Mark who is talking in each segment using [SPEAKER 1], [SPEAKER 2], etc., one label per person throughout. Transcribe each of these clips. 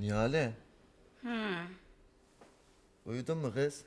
[SPEAKER 1] Nihale. Uyudun mu kız?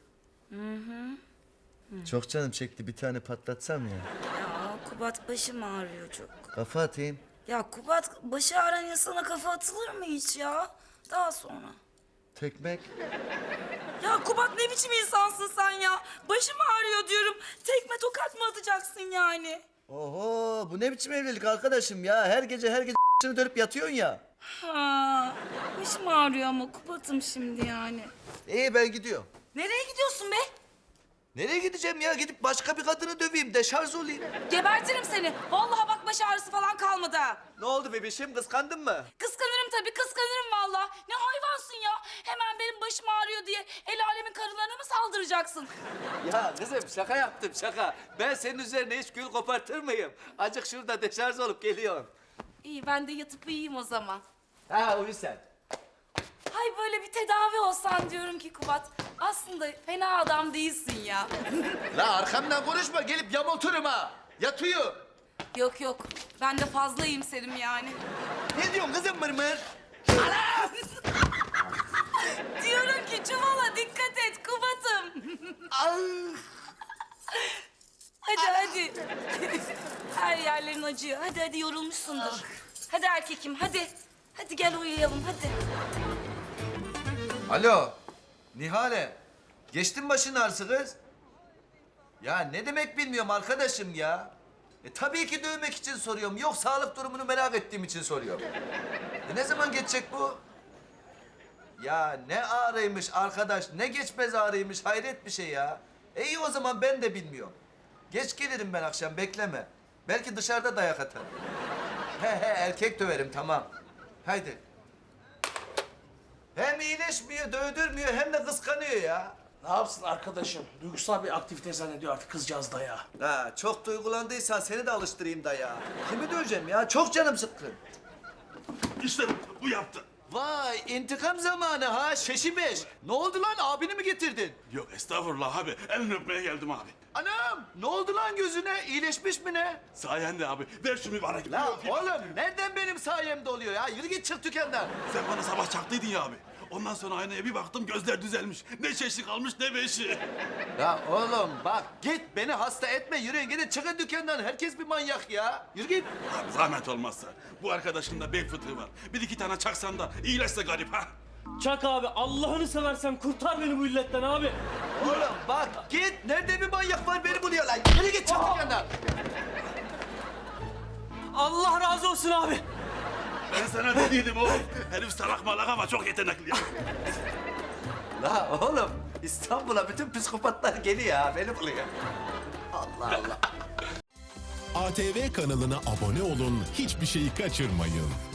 [SPEAKER 1] Çok canım çekti, bir tane patlatsam ya.
[SPEAKER 2] Ya Kubat, başım ağrıyor çok.
[SPEAKER 1] Kafa atayım.
[SPEAKER 2] Ya Kubat, başı ağrıyan insana kafa atılır mı hiç ya? Daha sonra.
[SPEAKER 1] Tekmek.
[SPEAKER 2] Ya Kubat, ne biçim insansın sen ya? Başım ağrıyor diyorum. Tekme tokat mı atacaksın yani?
[SPEAKER 1] Oho, bu ne biçim evlilik arkadaşım ya? Her gece dönüp yatıyorsun ya.
[SPEAKER 2] Ha, başım ağrıyor ama Kubat'ım şimdi yani.
[SPEAKER 1] İyi, ben gidiyorum.
[SPEAKER 2] Nereye gidiyorsun be?
[SPEAKER 1] Nereye gideceğim ya? Gidip başka bir kadını döveyim, deşarj olayım.
[SPEAKER 2] Gebertirim seni. Vallahi bak, baş ağrısı falan kalmadı.
[SPEAKER 1] Ne oldu bebişim, kıskandın mı?
[SPEAKER 2] Kıskanırım tabii, kıskanırım vallahi. Ne hayvansın ya? Hemen benim başım ağrıyor diye el alemin karılarına mı saldıracaksın?
[SPEAKER 1] Ya kızım, şaka yaptım şaka. Ben senin üzerine hiç gül kopartır mıyım? Acık şurada deşarj olup geliyorum.
[SPEAKER 2] İyi, ben de yatıp uyuyayım o zaman.
[SPEAKER 1] Ha, uyu sen.
[SPEAKER 2] Hay, böyle bir tedavi olsan diyorum ki Kubat. Aslında fena adam değilsin ya.
[SPEAKER 1] La arkamdan konuşma, gelip yamulturum ha. Yatıyor.
[SPEAKER 2] Yok yok, ben de fazla iyimserim yani.
[SPEAKER 1] Ne diyorsun kızım mırmır?
[SPEAKER 2] Diyorum ki çuvala dikkat et Kubat'ım. Hadi. Her yerlerin acıyor. Hadi yorulmuşsundur. Hadi erkekim, hadi. Hadi gel uyuyalım, hadi.
[SPEAKER 1] Alo, Nihale. Geçtin başın ağrısı kız. Ya ne demek bilmiyorum arkadaşım ya. Tabii ki dövmek için soruyorum. Yok, sağlık durumunu merak ettiğim için soruyorum. Ne zaman geçecek bu? Ya ne ağrıymış arkadaş, ne geçmez ağrıymış, hayret bir şey ya. İyi o zaman, ben de bilmiyorum. Geç gelirim ben akşam, bekleme. Belki dışarıda dayak atarım. He erkek döverim, tamam. Haydi. Hem iyileşmiyor, dövdürmüyor, hem de kıskanıyor ya.
[SPEAKER 3] Ne yapsın arkadaşım? Duygusal bir aktivite zannediyor artık kızcağız da ya.
[SPEAKER 1] Ha, çok duygulandıysan seni de alıştırayım da ya. Kimi döveceğim ya? Çok canım sıkkın.
[SPEAKER 4] İşte bu yaptı.
[SPEAKER 1] Vay, intikam zamanı ha, şeşi beş. Ne oldu lan, abini mi getirdin?
[SPEAKER 4] Yok estağfurullah abi. Elini öpmeye geldim abi.
[SPEAKER 1] Anam, ne oldu lan gözüne? İyileşmiş mi ne?
[SPEAKER 4] Sayende abi. Ver şu mübarek.
[SPEAKER 1] La oğlum, nereden benim sayemde oluyor ya? Yürü git, çık dükkandan.
[SPEAKER 4] Sen bana sabah çaktıydın ya abi. Ondan sonra aynaya bir baktım, gözler düzelmiş. Ne şeşi kalmış ne beşi.
[SPEAKER 1] Ya oğlum bak, git beni hasta etme, yürüyün gidin, çıkın dükkandan. Herkes bir manyak ya. Yürü git.
[SPEAKER 4] Abi zahmet olmazsa. Bu arkadaşın da bel fıtığı var. Bir iki tane çaksan da iyileşse garip ha.
[SPEAKER 5] Çak abi, Allah'ını seversen kurtar beni bu illetten abi.
[SPEAKER 1] Oğlum bak, git. Nerede bir manyak var, beni buluyor lan. Yürü git, çık dükkandan.
[SPEAKER 5] Allah razı olsun abi.
[SPEAKER 4] Ben sana dediydim oğlum. Herif salak malak ama çok yetenekli ya.
[SPEAKER 1] La oğlum, İstanbul'a bütün psikopatlar geliyor ha, beni buluyor. Allah Allah.
[SPEAKER 6] ATV kanalına abone olun, hiçbir şeyi kaçırmayın.